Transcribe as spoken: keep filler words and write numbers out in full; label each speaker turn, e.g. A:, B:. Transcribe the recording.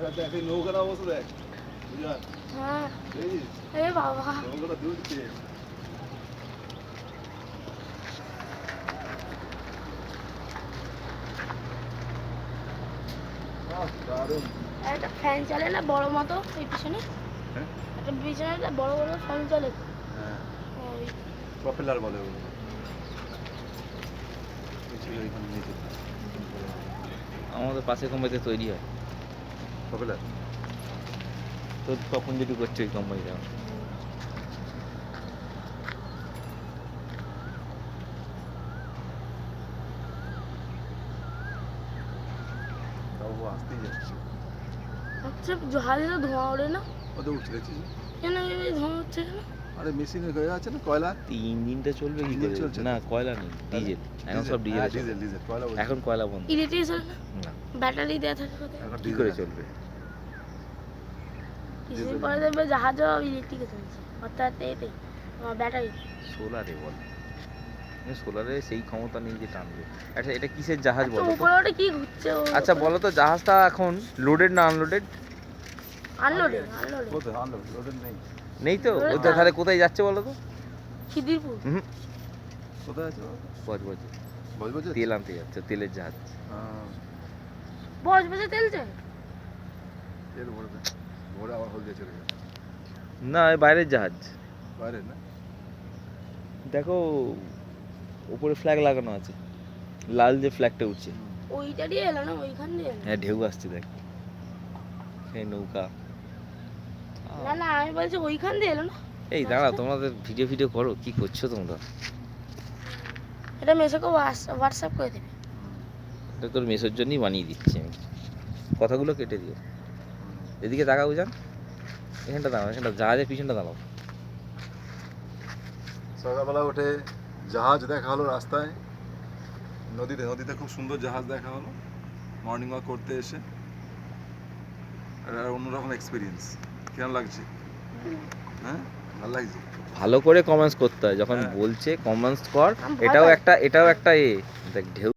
A: দেখ এই নৌকার অবস্থা দেখ বুঝান
B: হ্যাঁ
A: এই
B: এ বাবা
A: নৌকাটা দুলছে আহ দারুণ
B: একটা ফ্যান চলে না বড় মতো এই পিছনে
A: হ্যাঁ
B: একটা পিছনে একটা বড় বড় ফ্যান চলে
A: হ্যাঁ
B: ওই
A: প্রপেলার বলে ওগুলো ছিল এখানে নিচে
C: আমাদের পাশে কোম্পানিতে তৈরি হয়
A: প্রপেলার
C: তো তখন যেটু করছে ওই কোম্পানিটা
A: তাও ও আসতেই যাচ্ছে
B: আচ্ছা জাহাজে তো ধোঁয়া ওড়ে না
A: ওদের উঠছে দেখছিস
B: কেন এই ধোঁয়া হচ্ছে কেন
A: আরে মেশিনে হয়ে আছে না কয়লা
C: ইঞ্জিনটা চলবে কি
A: ডিজেল
C: করে
A: চলছে তো?
C: না কয়লা নেই ডিজেল এখন সব ডিজেল
A: হ্যাঁ, ডিজেল ডিজেল কয়লা বলছি।
C: এখন কয়লা বন্ধ
B: ইলেকট্রিক চলে না
C: না
B: ব্যাটারি দেওয়া থাকে কোথায়
A: এখন
C: কি
A: ডিজেল
C: করে
A: আছে।
C: চলবে
B: কিছুদিন পরে দেখবে জাহাজও ইলেকট্রিকে চলছে অর্থাৎ এতে ব্যাটারি
C: সোলারে বল সোলারে সেই ক্ষমতা নেই যে টানবে আচ্ছা এটা কিসের জাহাজ বলো তো
B: উপরে ওটা কি ঘুরছে
C: আচ্ছা বলো তো জাহাজটা এখন লোডেড না আনলোডেড
B: আনলোডে আনলোডে
A: কোথায় আনলোড লোডের নেই
C: নেই তো
B: Loaded
C: ওটা
B: না।
C: তাহলে কোথায় যাচ্ছে বলো তো
B: খিদিরপুর
C: হুম
A: কোথায় আছে
C: বজ বজ
A: বজ বজ
C: তেল আনতে যাচ্ছে তেলের জাহাজ
B: বস বসে তেল চাই
A: তেল ভরবে ভরে আবার হলদে চলে যাবে
C: না এই বাইরের জাহাজ
A: বাইরে না
C: দেখো উপরে ফ্ল্যাগ লাগানো আছে লাল যে ফ্ল্যাগটা উঠছে
B: ওইটা দিয়ে এলো না ওইখান দিয়ে এলো।
C: হ্যাঁ ঢেউ আসছে দেখ সেই নৌকা
B: না না আমি বলছি ওইখান দিয়ে এলো না
C: এই দাঁড়াও তোমাদের ভিডিও ভিডিও করো কি করছো তোমরা
B: এটা মেসেকে হোয়াটসঅ্যাপ করে দেবে
C: এটা তোর মেসের জন্যই বানিয়ে দিচ্ছি আমি কথাগুলো কেটে দিও এদিকে তাকাও বুঝান এখানটা দাঁড়াও এখানটা জাহাজের পিছনটা দাঁড়াও
A: সকালবেলা উঠে জাহাজ দেখা হলো রাস্তায় নদীতে নদীতে খুব সুন্দর জাহাজ দেখা হলো মর্নিং ওয়াক করতে এসে একটা অন্যরকম এক্সপিরিয়েন্স কেমন লাগছে হ্যাঁ ভালো লাগছে
C: ভালো করে কমেন্টস করতে হয় যখন
A: হ্যাঁ।
C: বলছে কমেন্টস কর
B: আমি ভয়
C: এটাও
B: পাই।
C: একটা এটাও একটা এ দেখ ঢেউ